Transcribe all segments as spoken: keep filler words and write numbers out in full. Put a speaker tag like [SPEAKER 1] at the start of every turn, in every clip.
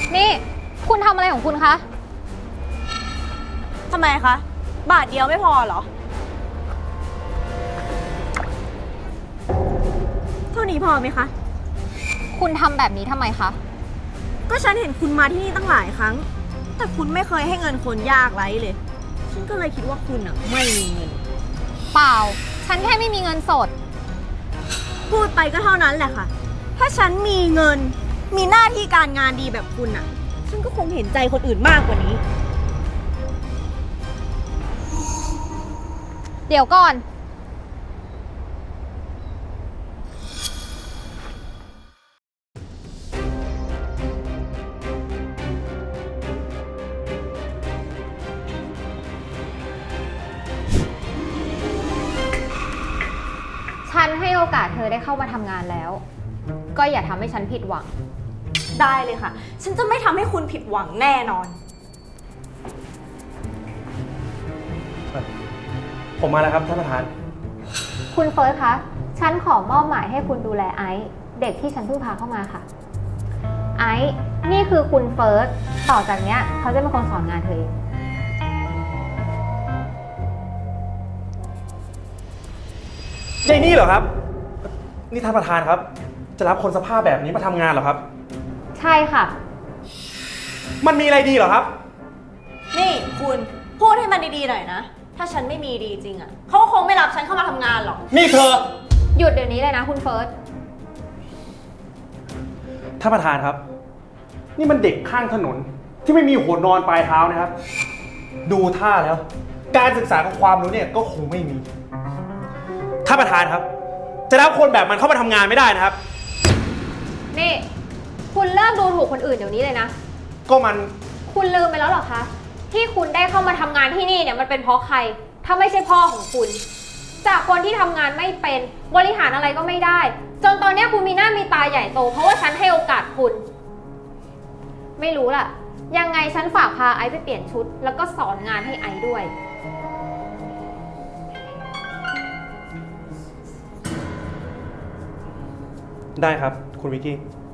[SPEAKER 1] นี่คุณทำอะไรของคุณคะ
[SPEAKER 2] ทำไมคะ บาทเดียวไม่พอเหรอ เท่านี้พอไหมคะ
[SPEAKER 1] คุณทำแบบนี้ทำไมคะ
[SPEAKER 2] ก็ฉันเห็นคุณมาที่นี่ตั้งหลายครั้ง แต่คุณไม่เคยให้เงินคนยากไร้เลย ฉันก็เลยคิดว่าคุณอ่ะไม่มีเงิน
[SPEAKER 1] เปล่าฉันแค่ไม่มีเงินสด
[SPEAKER 2] พูดไปก็เท่านั้นแหละค่ะ ถ้าฉันมีเงิน มีหน้าที่การงานดีแบบคุณอ่ะ ฉันก็คงเห็นใจคนอื่นมากกว่านี้
[SPEAKER 1] เดี๋ยวก่อนฉันให้โอกาสเธอได้เข้ามาทำงานแล้ว ก็อย่าทำให้ฉันผิดหวัง
[SPEAKER 2] ได้เลยค่ะ ฉันจะไม่ทำให้คุณผิดหวังแน่นอน
[SPEAKER 3] ผมมาแล้วครับท่านประธาน
[SPEAKER 1] คุณเฟิร์สคะ ฉันขอมอบหมายให้คุณดูแลไอซ์เด็กที่ฉันเพิ่งพาเข้ามาค่ะ ไอซ์นี่คือคุณเฟิร์ส ต่อจากเนี้ยเขาจะเป็นคนสอนงานเธอเอง
[SPEAKER 3] ยายนี่เหรอครับ นี่ท่านประธานครับ จะรับคนสภาพแบบนี้มาทำงานเหรอครับ
[SPEAKER 1] ใช่ค่ะ
[SPEAKER 3] มันมีอะไรดีเหรอครับ
[SPEAKER 2] นี่คุณพูดให้มันดีๆหน่อยนะ ถ้าฉันไม่มีดีจริงอ่ะเขาก็คงไม่รับฉันเข้ามาทำงานหรอก
[SPEAKER 3] นี่เธอ
[SPEAKER 1] หยุดเดี๋ยวนี้เลยนะคุณเฟิร์ส
[SPEAKER 3] ท่านประธานครับ นี่มันเด็กข้างถนนที่ไม่มีหัวนอนปลายเท้านะครับ ดูท่าแล้ว การศึกษากับความรู้เนี่ยก็คงไม่มี ท่านประธานครับ จะรับคนแบบมันเข้ามาทำงานไม่ได้นะครับ
[SPEAKER 1] นี่ คุณเลิกดูถูกคนอื่นเดี๋ยวนี้เลยนะ
[SPEAKER 3] ก็มัน
[SPEAKER 1] คุณลืมไปแล้วเหรอคะ ที่คุณได้เข้ามาทำงานที่นี่เนี่ยมันเป็นเพราะใคร ถ้าไม่ใช่พ่อของคุณ จากคนที่ทำงานไม่เป็นบริหารอะไรก็ไม่ได้ จนตอนนี้คุณมีหน้ามีตาใหญ่โตเพราะว่าฉันให้โอกาสคุณ ไม่รู้ล่ะ ยังไงฉันฝากพาไอซ์ไปเปลี่ยนชุด แล้วก็สอนงานให้ไอซ์ด้วย
[SPEAKER 3] ได้ครับ คุณวิกกี้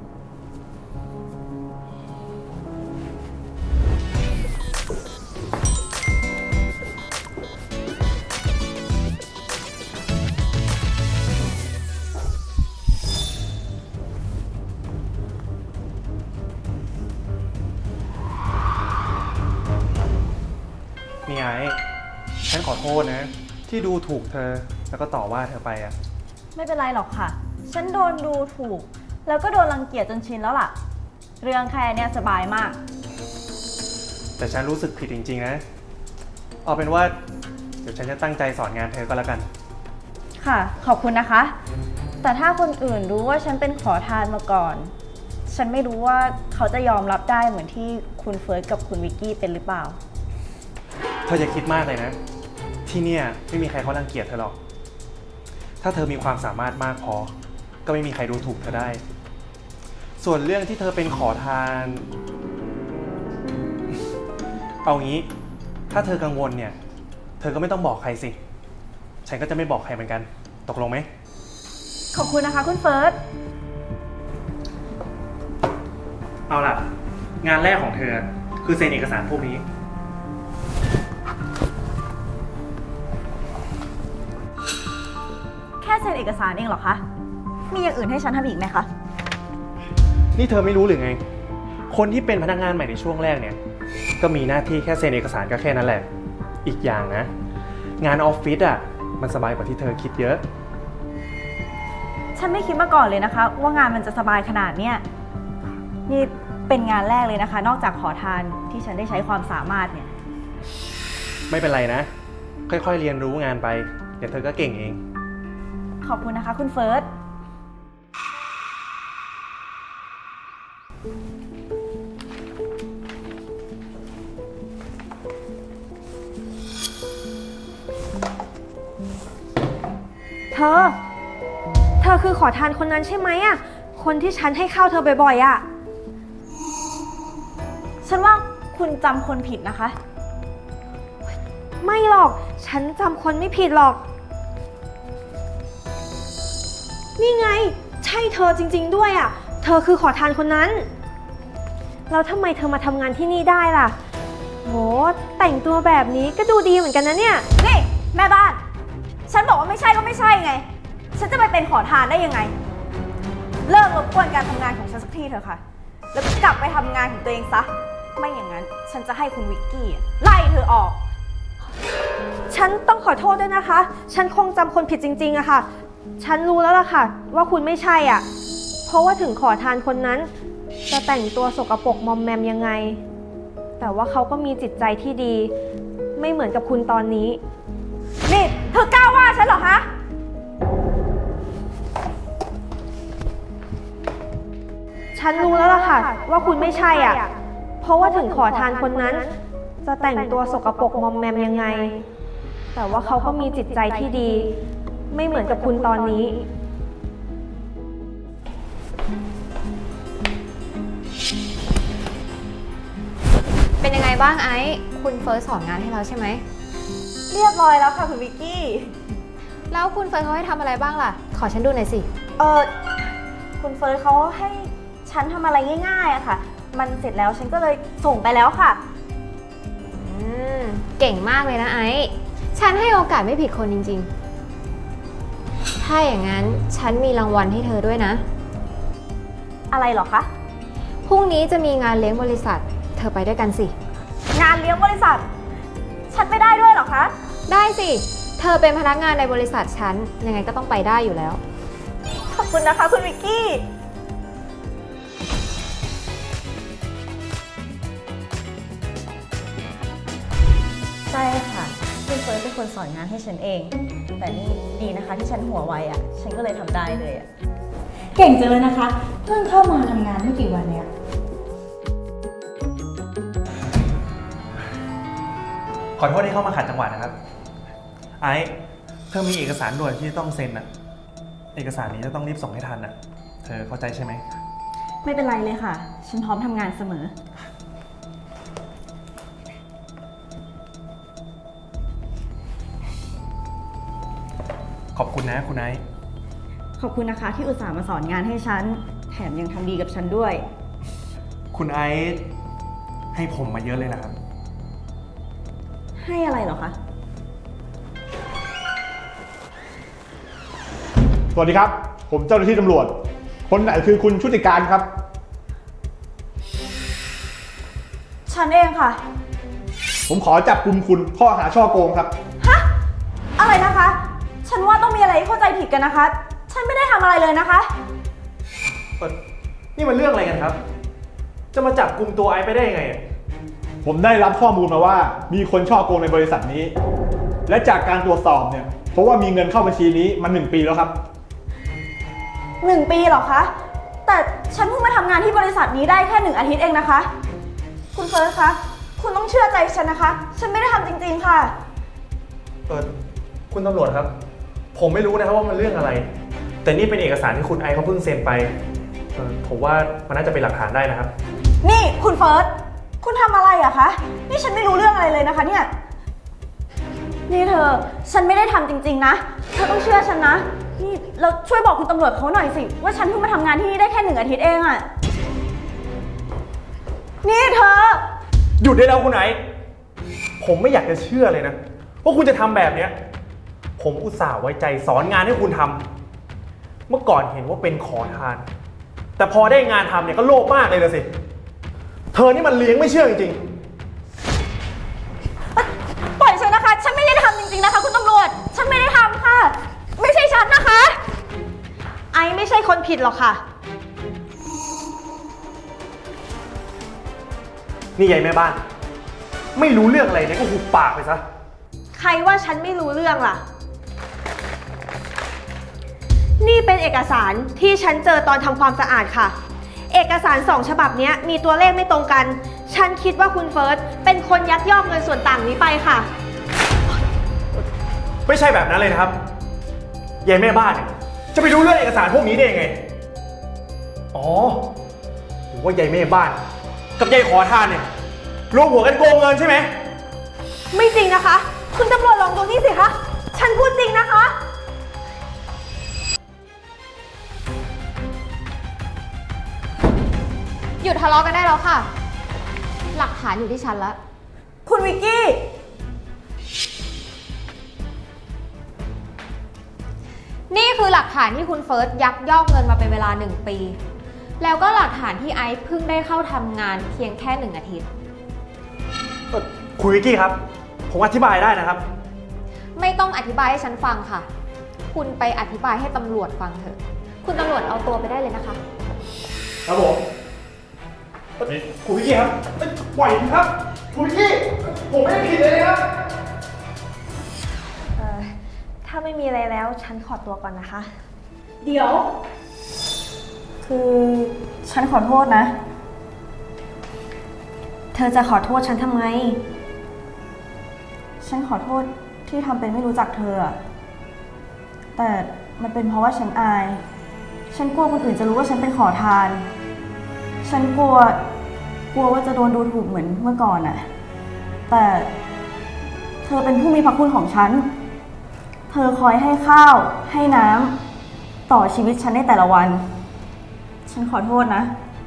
[SPEAKER 3] นี่ไง ฉันขอโทษนะ ที่ดูถูกเธอแล้วก็ต่อว่าเธอไปอะ
[SPEAKER 2] ไม่เป็นไรหรอกค่ะ ฉันโดนดูถูก แล้วก็โดนรังเกียจจนชินแล้วล่ะ เรื่องแค่เนี้ยสบายมาก
[SPEAKER 3] แต่ฉันรู้สึกผิดจริงๆนะ เอาเป็นว่าเดี๋ยวฉันจะตั้งใจสอนงานเธอก็แล้วกัน
[SPEAKER 2] ค่ะ ขอบคุณนะคะ แต่ถ้าคนอื่นรู้ว่าฉันเป็นขอทานมาก่อน ฉันไม่รู้ว่าเขาจะยอมรับได้เหมือนที่คุณเฟิร์สกับคุณวิกกี้เป็นหรือเปล่า
[SPEAKER 3] เธออย่าคิดมากเลยนะ ที่เนี่ยไม่มีใครเขารังเกียจเธอหรอก ถ้าเธอมีความสามารถมากพอ ก็ไม่มีใครดูถูกเธอได้ ส่วนเรื่องที่เธอเป็นขอทาน เอางี้ ถ้าเธอกังวลเนี่ย เธอก็ไม่ต้องบอกใครสิ ฉันก็จะไม่บอกใครเหมือนกัน ตกลงไหม
[SPEAKER 2] ขอบคุณนะคะคุณเฟิร์ส
[SPEAKER 3] เอาล่ะ งานแรกของเธอคือเซ็นเอกสารพวกนี้
[SPEAKER 2] แค่เซ็นเอกสารเองเหรอคะ มีอย่างอื่นให้ฉันทำอีกไหมคะ
[SPEAKER 3] นี่เธอไม่รู้หรือไง คนที่เป็นพนักงานใหม่ในช่วงแรกเนี่ย ก็มีหน้าที่แค่เซ็นเอกสารก็แค่นั้นแหละ อีกอย่างนะ งานออฟฟิศอ่ะ มันสบายกว่าที่เธอคิดเยอะ
[SPEAKER 2] ฉันไม่คิดมาก่อนเลยนะคะ ว่างานมันจะสบายขนาดเนี้ยนี่เป็นงานแรกเลยนะคะ นอกจากขอทานที่ฉันได้ใช้ความสามารถเนี่ย
[SPEAKER 3] ไม่เป็นไรนะ ค่อยๆเรียนรู้งานไป เดี๋ยวเธอก็เก่งเอง
[SPEAKER 2] ขอบคุณนะคะคุณเฟิร์ส
[SPEAKER 4] เธอ เธอคือขอทานคนนั้นใช่ไหมอ่ะ คนที่ฉันให้ข้าวเธอบ่อยๆอ่ะ
[SPEAKER 2] ฉันว่าคุณจำคนผิดนะคะ
[SPEAKER 4] ไม่หรอก ฉันจำคนไม่ผิดหรอก นี่ไง ใช่เธอจริงๆด้วยอ่ะ เธอคือขอทานคนนั้นแล้วทำไมเธอมาทำงานที่นี่ได้ล่ะโหแต่งตัวแบบนี้ก็ดูดีเหมือนกันนะเนี่ย
[SPEAKER 2] นี่แม่บ้าน ฉันบอกว่าไม่ใช่ก็ไม่ใช่ไง ฉันจะไปเป็นขอทานได้ยังไง เลิกรบกวนการทำงานของฉันสักทีเถอะค่ะ แล้วก็กลับไปทำงานของตัวเองซะ ไม่อย่างนั้นฉันจะให้คุณวิกกี้อะไล่เธอออก
[SPEAKER 4] ฉันต้องขอโทษด้วยนะคะ ฉันคงจำคนผิดจริงๆอะค่ะ ฉันรู้แล้วล่ะค่ะ ว่าคุณไม่ใช่อ่ะ เพราะว่าถึงขอทานคนนั้น จะแต่งตัวสกปรกมอมแมมยังไง แต่ว่าเขาก็มีจิตใจที่ดี ไม่เหมือนกับคุณตอนนี้
[SPEAKER 2] นี่เธอกล้าว่าฉันเหรอคะ
[SPEAKER 4] ฉันรู้แล้วล่ะค่ะ ว่าคุณไม่ใช่อ่ะ เพราะว่าถึงขอทานคนนั้น จะแต่งตัวสกปรกมอมแมมยังไง แต่ว่าเขาก็มีจิตใจที่ดี ไม่เหมือนกับคุณตอนนี้
[SPEAKER 1] เป็นยังไงบ้างไอซ์คุณเฟิร์สสอนงานให้เราใช่ไหม
[SPEAKER 2] เรียบร้อยแล้วค่ะคุณวิกกี้
[SPEAKER 1] แล้วคุณเฟิร์สเขาให้ทำอะไรบ้างล่ะ ขอฉันดูหน่อยสิ
[SPEAKER 2] เออคุณเฟิร์สเขาให้ฉันทำอะไรง่ายๆอะค่ะ มันเสร็จแล้วฉันก็เลยส่งไปแล้วค่ะ
[SPEAKER 1] อืม เก่งมากเลยนะไอซ์ฉันให้โอกาสไม่ผิดคนจริงๆ ถ้าอย่างนั้นฉันมีรางวัลให้เธอด้วยนะ
[SPEAKER 2] อะไรเหรอคะ
[SPEAKER 1] พรุ่งนี้จะมีงานเลี้ยงบริษัท เธอไปด้วยกันสิ
[SPEAKER 2] งานเลี้ยงบริษัท ฉันไม่ได้ด้วยเหรอคะ
[SPEAKER 1] ได้สิ เธอเป็นพนักงานในบริษัทฉัน ยังไงก็ต้องไปได้อยู่แล้ว
[SPEAKER 2] ขอบคุณนะคะคุณวิกกี้ ใช่ค่ะ คุณเฟิร์สเป็นคนสอนงานให้ฉันเอง แต่นี่ดีนะคะที่ฉันหัวไวอ่ะ ฉันก็เลยทำได้เลยอ่ะ
[SPEAKER 5] เก่งจังเลยนะคะ เพิ่งเข้ามาทำงานไม่กี่วันเนี่ย
[SPEAKER 3] ขอโทษที่เข้ามาขัดจังหวะนะครับ ไอ้เธอมีเอกสารด่วนที่ต้องเซ็นอะเอกสารนี้จะต้องรีบส่งให้ทันอะเธอเข้าใจใช่ไหม
[SPEAKER 2] ไม่เป็นไรเลยค่ะ ฉันพร้อมทำงานเสมอ
[SPEAKER 3] ขอบคุณนะคุณไอซ์
[SPEAKER 2] ขอบคุณนะคะที่อุตส่าห์มาสอนงานให้ฉัน แถมยังทำดีกับฉันด้วย
[SPEAKER 3] คุณไอซ์ให้ผมมาเยอะเลยนะครับ
[SPEAKER 2] ให้อะไรเหรอคะ
[SPEAKER 6] สวัสดีครับ ผมเจ้าหน้าที่ตำรวจ คนไหนคือคุณชุติการครับ
[SPEAKER 2] ฉันเองค่ะ
[SPEAKER 6] ผมขอจับกุมคุณข้อหาช่อโกงครับ
[SPEAKER 2] ฮะ อะไรนะคะ ฉันว่าต้องมีอะไรเข้าใจผิดกันนะคะ ฉันไม่ได้ทำอะไรเลยนะคะ
[SPEAKER 3] เอ่อนี่มันเรื่องอะไรกันครับ จะมาจับกลุ่มตัวไอซ์ไปได้ยังไงอะ
[SPEAKER 6] ผมได้รับข้อมูลมาว่ามีคนช่อโกงในบริษัทนี้ และจากการตรวจสอบเนี่ยเพราะว่ามีเงินเข้าบัญชีนี้มาหนึ่งปีแล้วครับ
[SPEAKER 2] หนึ่งปีเหรอคะ แต่ฉันเพิ่งมาทำงานที่บริษัทนี้ได้แค่หนึ่งอาทิตย์เองนะคะ คุณเฟิร์สคะ คุณต้องเชื่อใจฉันนะคะ ฉันไม่ได้ทำจริงๆค่ะ
[SPEAKER 3] เออคุณตำรวจครับ ผมไม่รู้นะครับว่ามันเรื่องอะไร แต่นี่เป็นเอกสารที่คุณไอซ์เขาเพิ่งเซ็นไปเออผมว่ามันน่าจะเป็นหลักฐานได้นะครับ
[SPEAKER 2] นี่คุณเฟิร์ส คุณทำอะไรอะคะ นี่ฉันไม่รู้เรื่องอะไรเลยนะคะเนี่ย นี่เธอ ฉันไม่ได้ทำจริงๆนะ เธอต้องเชื่อฉันนะ นี่เราช่วยบอกคุณตำรวจเขาหน่อยสิ ว่าฉันเพิ่งมาทำงานที่นี่ได้แค่หนึ่งอาทิตย์เองอะนี่เธอ
[SPEAKER 3] หยุดได้แล้วคุณไอซ์ผมไม่อยากจะเชื่อเลยนะว่าคุณจะทำแบบเนี้ยผมอุตส่าห์ไว้ใจสอนงานให้คุณทำเมื่อก่อนเห็นว่าเป็นขอทาน แต่พอได้งานทำเนี่ยก็โลภมากเลยละสิ เธอนี่มันเลี้ยงไม่เชื่อจริงๆ
[SPEAKER 2] ปล่อยฉันนะคะ ฉันไม่ได้ทำจริงๆนะคะ คุณตำรวจ ฉันไม่ได้ทำค่ะ ไม่ใช่ฉันนะคะ
[SPEAKER 4] ไอไม่ใช่คนผิดหรอกค่ะ
[SPEAKER 3] นี่ยายแม่บ้าน ไม่รู้เรื่องอะไรเนี่ยก็หุบปากไปซะ
[SPEAKER 4] ใครว่าฉันไม่รู้เรื่องล่ะ นี่เป็นเอกสารที่ฉันเจอตอนทำความสะอาดค่ะ เอกสารสองฉบับนี้มีตัวเลขไม่ตรงกัน ฉันคิดว่าคุณเฟิร์สเป็นคนยักยอกเงินส่วนต่างนี้ไปค่ะ
[SPEAKER 3] ไม่ใช่แบบนั้นเลยนะครับยายแม่บ้านเนี่ยจะไปรู้เรื่องเอกสารพวกนี้ได้ยังไง อ๋อหรือว่ายายแม่บ้าน กับยายขอทานเนี่ยรวมหัวกันโกงเงินใช่ไหม
[SPEAKER 4] ไม่จริงนะคะ คุณตำรวจลองดูนี่สิคะ ฉันพูดจริงนะคะ
[SPEAKER 1] หยุดทะเลาะกันได้แล้วค่ะหลักฐานอยู่ที่ฉันแล้ว
[SPEAKER 2] คุณวิกกี้
[SPEAKER 1] นี่คือหลักฐานที่คุณเฟิร์สยักยอกเงินมาเป็นเวลาหนึ่งปี แล้วก็หลักฐานที่ไอซ์เพิ่งได้เข้าทำงานเพียงแค่หนึ่งอาทิตย์
[SPEAKER 3] เอ่อคุณวิกกี้ครับ ผมอธิบายได้นะครับ
[SPEAKER 1] ไม่ต้องอธิบายให้ฉันฟังค่ะ คุณไปอธิบายให้ตำรวจฟังเถอะ คุณตำรวจเอาตัวไปได้เลยนะคะ
[SPEAKER 3] ครับผมเอ่อคุณวิกกี้ครับเอ้ยปล่อยผมครับ คุณวิกกี้ ผมไม่ได้ผิดเลยนะครับ
[SPEAKER 4] เอ่อ ถ้าไม่มีอะไรแล้วฉันขอตัวก่อนนะคะ
[SPEAKER 2] เดี๋ยว คือฉันขอโทษนะ
[SPEAKER 4] เธอจะขอโทษฉันทำไม
[SPEAKER 2] ฉันขอโทษที่ทำเป็นไม่รู้จักเธออะแต่มันเป็นเพราะว่าฉันอาย ฉันกลัวคนอื่นจะรู้ว่าฉันเป็นขอทาน ฉันกลัว กลัวว่าจะโดนดูถูกเหมือนเมื่อก่อนอะแต่เธอเป็นผู้มีพระคุณของฉัน เธอคอยให้ข้าว ให้น้ำต่อชีวิตฉันในแต่ละวัน ฉันขอโทษนะ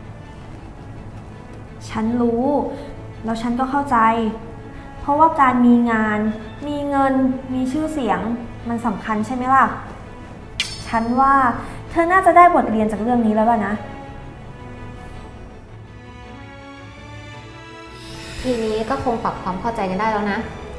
[SPEAKER 4] ฉันรู้ แล้วฉันก็เข้าใจ เพราะว่าการมีงาน มีเงิน มีชื่อเสียง มันสำคัญใช่ไหมล่ะ ฉันว่าเธอน่าจะได้บทเรียนจากเรื่องนี้แล้วล่ะนะ
[SPEAKER 1] ทีนี้ก็คงปรับความเข้าใจกันได้แล้วนะ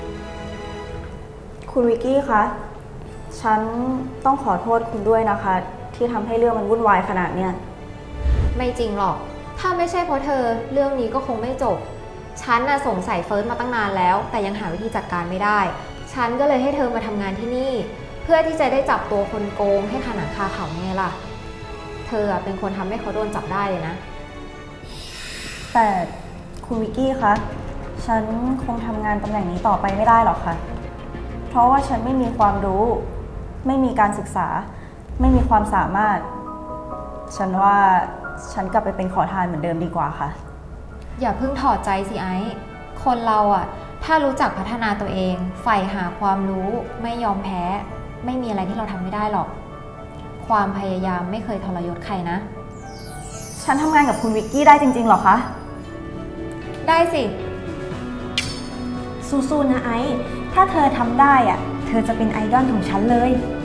[SPEAKER 2] คุณวิกกี้คะ ฉันต้องขอโทษคุณด้วยนะคะ ที่ทำให้เรื่องมันวุ่นวายขนาดเนี้ย
[SPEAKER 1] ไม่จริงหรอก ถ้าไม่ใช่เพราะเธอเรื่องนี้ก็คงไม่จบ ฉันน่ะสงสัยเฟิร์สมาตั้งนานแล้ว แต่ยังหาวิธีจัดการไม่ได้ ฉันก็เลยให้เธอมาทำงานที่นี่ เพื่อที่จะได้จับตัวคนโกงให้ขนังคาเขาไงล่ะ เธอเป็นคนทำให้เขาโดนจับได้เลยนะ
[SPEAKER 2] แต่คุณวิกกี้คะ ฉันคงทำงานตำแหน่งนี้ต่อไปไม่ได้หรอกค่ะ เพราะว่าฉันไม่มีความรู้ ไม่มีการศึกษา ไม่มีความสามารถ ฉันว่าฉันกลับไปเป็นขอทานเหมือนเดิมดีกว่าค่ะ
[SPEAKER 1] อย่าเพิ่งถอดใจสิไอซ์คนเราอะถ้ารู้จักพัฒนาตัวเองใฝ่หาความรู้ ไม่ยอมแพ้ ไม่มีอะไรที่เราทำไม่ได้หรอก ความพยายามไม่เคยทรยศใครนะ
[SPEAKER 2] ฉันทำงานกับคุณวิกกี้ได้จริงๆหรอคะ
[SPEAKER 1] ได้สิ
[SPEAKER 4] สู้ๆนะไอซ์ ถ้าเธอทำได้อะเธอจะเป็นไอดอลของฉันเลย